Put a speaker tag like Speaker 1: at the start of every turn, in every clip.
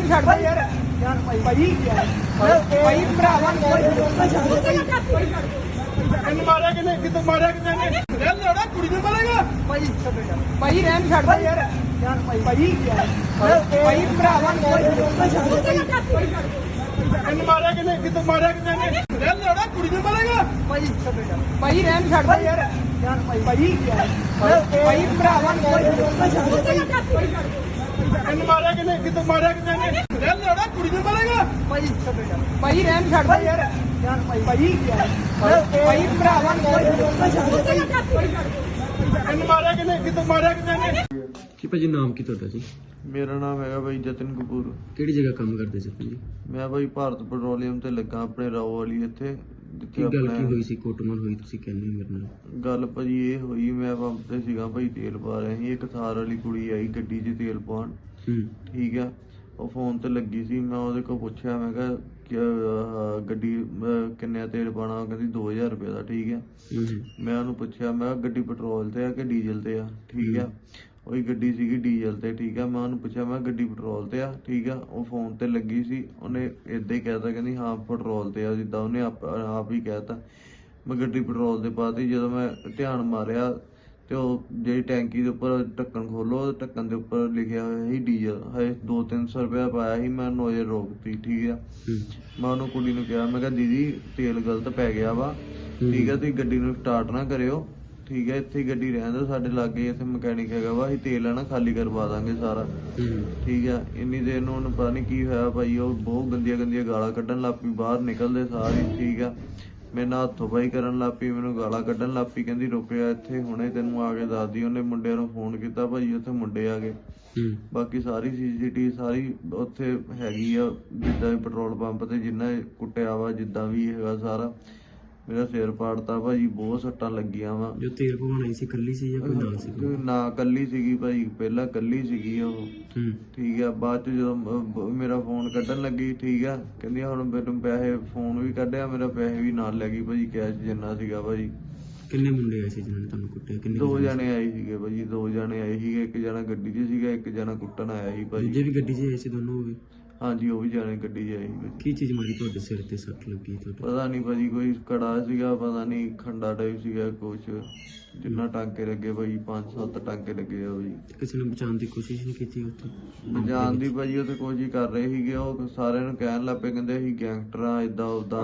Speaker 1: ਛੱਡ ਦੇ ਯਾਰ ਭਾਈ ਭਾਈ ਭਰਾਵਾ
Speaker 2: ਇਹਨੂੰ ਮਾਰਿਆ ਕਿਤੇ ਮਾਰਿਆ ਕਿਤੇ ਨੇ ਰਹਿਣ ਲੜਾ ਕੁੜੀ ਨੂੰ ਮਾਰੇਗਾ
Speaker 1: ਭਾਈ ਰਹਿਣ ਛੱਡ ਦੇ ਯਾਰ ਭਾਈ ਭਰਾਵਾ
Speaker 2: ਇਹਨੂੰ ਮਾਰਿਆ ਕਿਤੇ ਮਾਰਿਆ ਕਿਤੇ ਨੇ ਰਹਿਣ ਲੜਾ ਕੁੜੀ ਨੂੰ ਮਾਰੇਗਾ
Speaker 1: ਭਾਈ ਰਹਿਣ ਛੱਡ ਦੇ ਯਾਰ ਭਾਈ ਭਰਾਵਾ
Speaker 2: ਇਹਨੂੰ ਮਾਰਿਆ ਕਿਤੇ ਮਾਰਿਆ ਕਿਤੇ ਨੇ ਰਹਿਣ ਲੜਾ ਕੁੜੀ ਨੂੰ ਮਾਰੇਗਾ
Speaker 1: ਭਾਈ ਰਹਿਣ ਛੱਡ ਦੇ ਯਾਰ ਭਾਈ ਭਰਾਵਾ
Speaker 2: ਇਹਨੂੰ ਮਾਰਿਆ ਕਿਤੇ ਮਾਰਿਆ ਕਿਤੇ ਨੇ
Speaker 3: ਕੀ ਭਾਜੀ ਨਾਮ ਕੀ ਤੁਹਾਡਾ ਜੀ?
Speaker 4: ਮੇਰਾ ਨਾਮ ਹੈਗਾ ਬਾਈ ਜਤਨ ਕਪੂਰ।
Speaker 3: ਕਿਹੜੀ ਜਗ੍ਹਾ ਕੰਮ ਕਰਦੇ ਸੀ ਜੀ?
Speaker 4: ਮੈਂ ਬਾਈ ਭਾਰਤ ਪੈਟਰੋਲੀਅਮ ਤੇ ਲੱਗਾ ਆਪਣੇ ਰਾਓ ਵਾਲੀ ਇੱਥੇ
Speaker 3: ਕੀ ਗੱਲ ਕੀ ਹੋਈ ਸੀ? ਕੁੱਟਮਾਰ ਹੋਈ ਤੁਸੀਂ ਕਹਿੰਦੇ ਮੇਰੇ ਨਾਲ?
Speaker 4: ਗੱਲ ਭਾਜੀ ਇਹ ਹੋਈ, ਮੈਂ ਪੰਪ ਤੇ ਸੀਗਾ ਭਾਈ, ਤੇਲ ਪਾ ਰਿਹਾ ਸੀ। ਇੱਕ ਥਾਰ ਵਾਲੀ ਕੁੜੀ ਆਈ ਗੱਡੀ 'ਚ ਤੇਲ ਪਾਉਣ, ਠੀਕ ਆ। ਉਹ ਫੋਨ ਤੇ ਲੱਗੀ ਸੀ। ਮੈਂ ਉਹਦੇ ਕੋਲ ਪੁੱਛਿਆ, ਮੈਂ ਕਿਹਾ ਗੱਡੀ ਕਿੰਨੇ ਤੇਲ ਪਾਉਣਾ? ਉਹ ਕਹਿੰਦੀ 2000 ਰੁਪਏ ਦਾ, ਠੀਕ ਆ। ਮੈਂ ਉਹਨੂੰ ਪੁੱਛਿਆ, ਮੈਂ ਕਿਹਾ ਗੱਡੀ ਪੈਟਰੋਲ ਤੇ ਆ ਕਿ ਡੀਜ਼ਲ ਤੇ ਆ, ਠੀਕ ਆ। ਉਹੀ ਗੱਡੀ ਸੀਗੀ ਡੀਜ਼ਲ ਤੇ, ਠੀਕ ਆ। ਮੈਂ ਉਹਨੂੰ ਪੁੱਛਿਆ, ਮੈਂ ਗੱਡੀ ਪੈਟਰੋਲ ਤੇ ਆ, ਠੀਕ ਆ। ਉਹ ਫੋਨ ਤੇ ਲੱਗੀ ਸੀ, ਉਹਨੇ ਏਦਾਂ ਹੀ ਕਹਿਤਾ, ਕਹਿੰਦੀ ਹਾਂ ਪੈਟਰੋਲ ਤੇ ਆ, ਜਿੱਦਾਂ ਉਹਨੇ ਆਪ ਹੀ ਕਹਿਤਾ। ਮੈਂ ਗੱਡੀ ਪੈਟਰੋਲ ਤੇ ਪਾਤੀ। ਜਦੋਂ ਮੈਂ ਧਿਆਨ ਮਾਰਿਆ ਤੇ ਉਹ ਜਿਹੜੀ ਟੈਂਕੀ ਦੇ ਉੱਪਰ ਢੱਕਣ ਖੋਲੋ, ਢੱਕਣ ਦੇ ਉੱਪਰ ਲਿਖਿਆ ਹੋਇਆ ਸੀ ਡੀਜ਼ਲ। ਹਜੇ 200-300 ਰੁਪਇਆ ਪਾਇਆ ਸੀ। ਮੈਂ ਨੋਜ਼ਰ ਰੋਕਤੀ, ਠੀਕ ਆ। ਮੈਂ ਉਹਨੂੰ ਕੁੜੀ ਨੂੰ ਕਿਹਾ, ਮੈਂ ਕਿਹਾ ਦੀਦੀ ਤੇਲ ਗਲਤ ਪੈ ਗਿਆ ਵਾ, ਠੀਕ ਆ। ਤੁਸੀਂ ਗੱਡੀ ਨੂੰ ਸਟਾਰਟ ਨਾ ਕਰਿਓ, ਠੀਕ ਹੈ। ਇੱਥੇ ਗੱਡੀ ਰਹਿਣ ਦਿਓ, ਸਾਡੇ ਲਾਗੇ ਇੱਥੇ ਮਕੈਨਿਕ ਹੈਗਾ ਵਾ, ਅਸੀਂ ਤੇਲ ਆ ਨਾ ਖਾਲੀ ਕਰਵਾ ਦਾਂਗੇ ਸਾਰਾ, ਠੀਕ ਆ। ਇੰਨੀ ਦੇਰ ਨੂੰ ਉਹਨੂੰ ਪਤਾ ਨਹੀਂ ਕੀ ਹੋਇਆ ਭਾਈ, ਉਹ ਬਹੁਤ ਗੰਦੀਆਂ ਗਾਲਾਂ ਕੱਢਣ ਲੱਗ ਪਈ ਬਾਹਰ ਨਿਕਲਦੇ ਸਾਰੇ, ਠੀਕ ਆ। ਮੇਰੇ ਨਾਲ ਹੱਥੋਂ ਪਾਈ ਕਰਨ ਲੱਗ ਪਈ, ਮੈਨੂੰ ਗਾਲਾਂ ਕੱਢਣ ਲੱਗ ਪਈ। ਕਹਿੰਦੀ ਰੁਕਿਆ ਇੱਥੇ, ਹੁਣੇ ਤੈਨੂੰ ਆ ਕੇ ਦੱਸਦੀ। ਉਹਨੇ ਮੁੰਡਿਆਂ ਨੂੰ ਫੋਨ ਕੀਤਾ ਭਾਈ, ਉੱਥੇ ਮੁੰਡੇ ਆ ਗਏ। ਬਾਕੀ ਸਾਰੀ CCTV ਸਾਰੀ ਉੱਥੇ ਹੈਗੀ ਆ, ਜਿੱਦਾਂ ਪੈਟਰੋਲ ਪੰਪ ਤੇ ਜਿੰਨਾ ਕੁੱਟਿਆ ਵਾ, ਜਿੱਦਾਂ ਵੀ ਹੈਗਾ ਸਾਰਾ। ਮੇਰਾ ਸਿਰ ਪਾੜਤਾ ਭਾਜੀ, ਬਹੁਤ ਸੱਟਾਂ ਲੱਗੀਆਂ ਵਾ।
Speaker 3: ਜੋ ਤੇਲ ਪਵਾਉਣਾ ਸੀ ਕੱਲੀ ਸੀ ਜਾਂ ਕੋਈ ਨਾਲ ਸੀ?
Speaker 4: ਨਾ ਕੱਲੀ ਸੀਗੀ ਭਾਈ, ਪਹਿਲਾਂ ਕੱਲੀ ਸੀਗੀ ਉਹ, ਠੀਕ ਆ। ਬਾਅਦ ਚ ਜਦੋਂ ਮੇਰਾ ਫੋਨ ਕੱਢਣ ਲੱਗੀ, ਠੀਕ ਆ, ਕਹਿੰਦੀ ਹੁਣ ਮੈਨੂੰ ਪੈਸੇ, ਫੋਨ ਵੀ ਕੱਢਿਆ ਮੇਰਾ, ਪੈਸੇ ਵੀ ਨਾਲ ਲੈ ਗਈ ਭਾਜੀ, ਕੈਸ਼ ਜਿੰਨਾ ਸੀਗਾ ਭਾਜੀ।
Speaker 3: ਕਿੰਨੇ ਮੁੰਡੇ ਆਏ ਸੀ ਜਿਹਨਾਂ ਨੇ ਤੁਹਾਨੂੰ ਕੁੱਟਿਆ? ਕਿੰਨੇ?
Speaker 4: 2 ਜਣੇ ਆਏ ਸੀਗੇ ਭਾਜੀ, 2 ਜਣੇ ਆਏ ਸੀਗੇ। ਇੱਕ ਜਣਾ ਗੱਡੀ 'ਚ ਸੀਗਾ, ਇੱਕ ਜਣਾ ਕੁੱਟਣ ਆਇਆ ਸੀ ਭਾਜੀ।
Speaker 3: ਦੂਜੇ ਵੀ ਗੱਡੀ 'ਚ ਆਏ ਸੀ ਦੋਨੋਂ? ਹੋਵੇ
Speaker 4: ਹਾਂਜੀ, ਉਹ ਵੀ ਜਾਣੇ ਗੱਡੀ 'ਚ ਆਏ ਸੀ।
Speaker 3: ਕੀ ਚੀਜ਼ ਮਾਰੀ ਤੁਹਾਡੇ ਸਿਰ ਤੇ? ਸੱਟ ਲੱਗੀ ਤੁਹਾਡੇ?
Speaker 4: ਪਤਾ ਨਹੀਂ ਭਾਜੀ, ਕੋਈ ਕੜਾ ਸੀਗਾ, ਪਤਾ ਨਹੀਂ ਖੰਡਾ ਟਾਈਪ ਸੀਗਾ ਕੁਛ, ਜਿੰਨਾ ਟਾਂਕੇ ਲੱਗੇ ਭਾਜੀ, 5-7 ਟਾਂਕੇ ਲੱਗੇ ਆ ਭਾਜੀ।
Speaker 3: ਕਿਸੇ ਨੇ ਬਚਾਉਣ ਦੀ ਕੋਸ਼ਿਸ਼ ਨਹੀਂ ਕੀਤੀ ਉੱਥੇ?
Speaker 4: ਬਚਾਉਣ ਦੀ ਭਾਜੀ ਉੱਥੇ ਕੋਸ਼ਿਸ਼ ਕਰ ਰਹੇ ਸੀਗੇ। ਉਹ ਸਾਰਿਆਂ ਨੂੰ ਕਹਿਣ ਲੱਗ ਪਏ, ਕਹਿੰਦੇ ਅਸੀਂ ਗੈਂਗਸਟਰ ਆ, ਏਦਾਂ ਉਦਾਂ,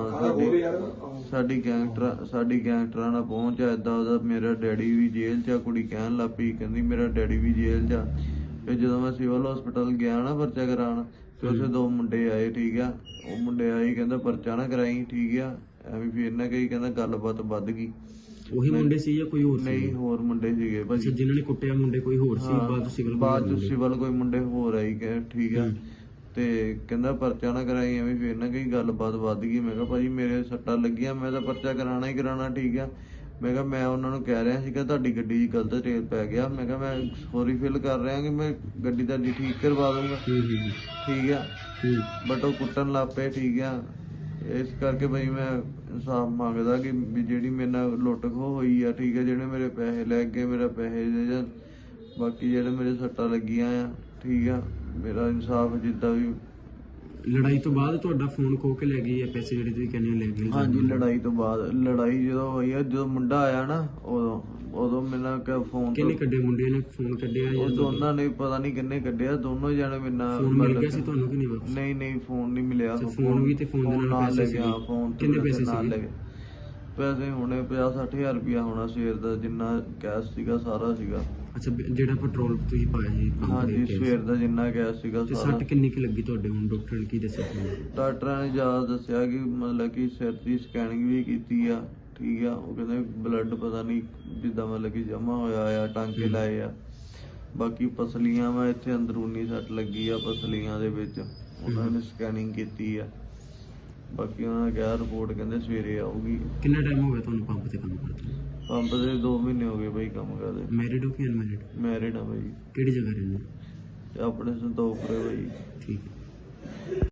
Speaker 4: ਸਾਡੀ ਗੈਂਗਸਟਰਾਂ ਨਾਲ ਪਹੁੰਚ ਆ, ਏਦਾਂ ਉਹਦਾ। ਮੇਰਾ ਡੈਡੀ ਵੀ ਜੇਲ੍ਹ 'ਚ ਆ, ਕੁੜੀ ਕਹਿਣ ਲੱਗ ਪਈ, ਕਹਿੰਦੀ ਮੇਰਾ ਡੈਡੀ ਵੀ ਜੇਲ੍ਹ 'ਚ ਆ। ਫਿਰ ਜਦੋਂ ਮੈਂ ਸਿਵਲ ਹਸਪੀਟਲ ਗਿਆ ਨਾ ਪਰਚਾ ਕਰਾਉਣ, ਤੇ ਉੱਥੇ 2 ਮੁੰਡੇ ਆਏ, ਠੀਕ ਆ। ਉਹ ਮੁੰਡੇ ਆਏ, ਕਹਿੰਦਾ ਪਰਚਾ ਨਾ ਕਰਾਈ, ਠੀਕ ਆ। ਐਵੇਂ ਫਿਰ ਨਾ ਕਹੀ, ਕਹਿੰਦਾ ਗੱਲਬਾਤ ਵੱਧ ਗਈ।
Speaker 3: ਉਹੀ ਮੁੰਡੇ ਸੀ ਜਾਂ ਕੋਈ ਹੋਰ ਸੀ?
Speaker 4: ਨਹੀਂ, ਹੋਰ ਮੁੰਡੇ ਸੀਗੇ ਭਾਜੀ।
Speaker 3: ਜਿਨ੍ਹਾਂ ਨੇ ਕੁੱਟਿਆ ਮੁੰਡੇ ਕੋਈ ਹੋਰ ਸੀ? ਬਾਅਦ
Speaker 4: ਸਿਵਲ ਕੋਈ ਮੁੰਡੇ ਹੋਰ ਆਈ ਗਏ, ਠੀਕ ਆ। ਤੇ ਕਹਿੰਦਾ ਪਰਚਾ ਨਾ ਕਰਾਈ, ਐਵੇਂ ਫਿਰ ਨਾ ਕਹੀ ਗੱਲਬਾਤ ਵੱਧ ਗਈ। ਮੈਂ ਕਿਹਾ ਭਾਜੀ ਮੇਰੇ ਸੱਟਾਂ ਲੱਗੀਆਂ, ਮੈਂ ਤਾਂ ਪਰਚਾ ਕਰਾਉਣਾ ਹੀ ਕਰਾਉਣਾ, ਠੀਕ ਆ। ਮੈਂ ਕਿਹਾ ਮੈਂ ਉਹਨਾਂ ਨੂੰ ਕਹਿ ਰਿਹਾ ਸੀਗਾ ਤੁਹਾਡੀ ਗੱਡੀ 'ਚ ਗਲਤ ਤੇਲ ਪੈ ਗਿਆ। ਮੈਂ ਕਿਹਾ ਮੈਂ ਸੌਰੀ ਫੀਲ ਕਰ ਰਿਹਾ ਕਿ ਮੈਂ ਗੱਡੀ ਤੁਹਾਡੀ ਠੀਕ ਕਰਵਾ ਦੂੰਗਾ, ਠੀਕ ਆ। ਬਟ ਉਹ ਕੁੱਟਣ ਲੱਗ ਪਏ, ਠੀਕ ਆ। ਇਸ ਕਰਕੇ ਭਾਈ ਮੈਂ ਇਨਸਾਫ ਮੰਗਦਾ ਕਿ ਜਿਹੜੀ ਮੇਰੇ ਨਾਲ ਲੁੱਟ ਖੋਹ ਹੋਈ ਆ, ਠੀਕ ਆ। ਜਿਹੜੇ ਮੇਰੇ ਪੈਸੇ ਲੈ ਗਏ, ਮੇਰਾ ਪੈਸੇ ਦੇ ਜਾਣ। ਬਾਕੀ ਜਿਹੜੇ ਮੇਰੇ ਸੱਟਾਂ ਲੱਗੀਆਂ ਆ, ਠੀਕ ਆ, ਮੇਰਾ ਇਨਸਾਫ ਜਿੱਦਾਂ ਵੀ।
Speaker 3: ਲੜਾਈ ਤੋਂ ਬਾਅਦ ਤੁਹਾਡਾ ਫੋਨ ਖੋ ਕੇ ਲੈ ਗਈ ਹੈ? ਪੈਸੇ ਜਿਹੜੇ ਤੁਸੀਂ ਕਹਿੰਦੇ ਲੈ ਗਏ?
Speaker 4: ਹਾਂਜੀ, ਲੜਾਈ ਤੋਂ ਬਾਅਦ। ਲੜਾਈ ਜਦੋਂ ਹੋਈ ਆ, ਜਦੋਂ ਮੁੰਡਾ ਆਇਆ ਨਾ, ਉਦੋਂ ਮੈਨੂੰ ਫੋਨ
Speaker 3: ਕਿੰਨੇ ਕੱਢੇ ਮੁੰਡਿਆਂ ਨੇ ਫੋਨ ਕੱਢਿਆ?
Speaker 4: ਉਹ ਦੋਨਾਂ ਨੇ ਪਤਾ ਨਹੀਂ ਕਿੰਨੇ ਕੱਢਿਆ, ਦੋਨੋਂ ਜਣੇ ਮੇਰੇ ਨਾਲ।
Speaker 3: ਫੋਨ ਮਿਲ ਗਿਆ ਸੀ ਤੁਹਾਨੂੰ ਕਿ ਨਹੀਂ ਵਾਪਸ?
Speaker 4: ਨਹੀਂ, ਫੋਨ ਨਹੀਂ ਮਿਲਿਆ।
Speaker 3: ਫੋਨ ਵੀ ਤੇ ਫੋਨ ਦੇ ਨਾਲ ਪੈਸੇ ਸੀ? ਕਿੰਨੇ ਪੈਸੇ ਸੀ?
Speaker 4: ਪੈਸੇ ਹੋਣੇ 50-60 ਹਜ਼ਾਰ ਰੁਪਇਆ ਹੋਣਾ ਸਵੇਰ ਦਾ, ਜਿੰਨਾ ਕੈਸ਼ ਸੀਗਾ ਸਾਰਾ ਸੀਗਾ।
Speaker 3: ਅੱਛਾ, ਜਿਹੜਾ ਪੈਟਰੋਲ ਤੁਸੀਂ ਪਾਇਆ ਸੀ?
Speaker 4: ਹਾਂਜੀ, ਸਵੇਰ ਦਾ ਜਿੰਨਾ ਕੈਸ਼ ਸੀਗਾ ਸਾਰਾ।
Speaker 3: ਸੱਟ ਕਿੰਨੀ ਕੁ ਲੱਗੀ ਤੁਹਾਡੇ? ਹੁਣ ਡਾਕਟਰ ਨੇ ਕੀ ਦੱਸਿਆ ਤੁਹਾਨੂੰ?
Speaker 4: ਡਾਕਟਰਾਂ ਨੇ ਜ਼ਿਆਦਾ ਦੱਸਿਆ ਕਿ ਮਤਲਬ ਕਿ ਸਿਰ ਦੀ ਸਕੈਨਿੰਗ ਵੀ ਕੀਤੀ ਆ, ਠੀਕ ਆ। ਉਹ ਕਹਿੰਦੇ ਬਲੱਡ ਪਤਾ ਨਹੀਂ ਜਿੱਦਾਂ ਮਤਲਬ ਕਿ ਜਮਾ ਹੋਇਆ ਆ, ਟਾਂਕੇ ਲਾਏ ਆ। ਬਾਕੀ ਪਸਲੀਆਂ ਵਾ, ਇੱਥੇ ਅੰਦਰੂਨੀ ਸੱਟ ਲੱਗੀ ਆ ਪਸਲੀਆਂ ਦੇ ਵਿੱਚ, ਉਹਨਾਂ ਨੇ ਸਕੈਨਿੰਗ ਕੀਤੀ ਆ। ਬਾਕੀ ਉਹਨਾਂ ਨੇ ਕਿਹਾ ਰਿਪੋਰਟ ਕਹਿੰਦੇ ਸਵੇਰੇ ਆਊਗੀ।
Speaker 3: ਕਿੰਨਾ ਟਾਈਮ ਹੋ ਗਿਆ ਤੁਹਾਨੂੰ ਪੰਪ ਤੇ ਕੰਮ ਕਰਦੇ?
Speaker 4: ਪੰਪ ਤੇ 2 ਮਹੀਨੇ ਹੋ ਗਏ ਬਾਈ ਕੰਮ ਕਰਦੇ।
Speaker 3: ਮੈਰਿਡ ਹੋ ਕਿ ਅਨਮੈਰਿਡ?
Speaker 4: ਮੈਰਿਡ ਆ ਬਾਈ।
Speaker 3: ਕਿਹੜੀ ਜਗ੍ਹਾ ਰਹਿੰਦੇ?
Speaker 4: ਆਪਣੇ ਸੰਤੋਖਪੁਰੇ ਬਾਈ।
Speaker 3: ਠੀਕ ਹੈ।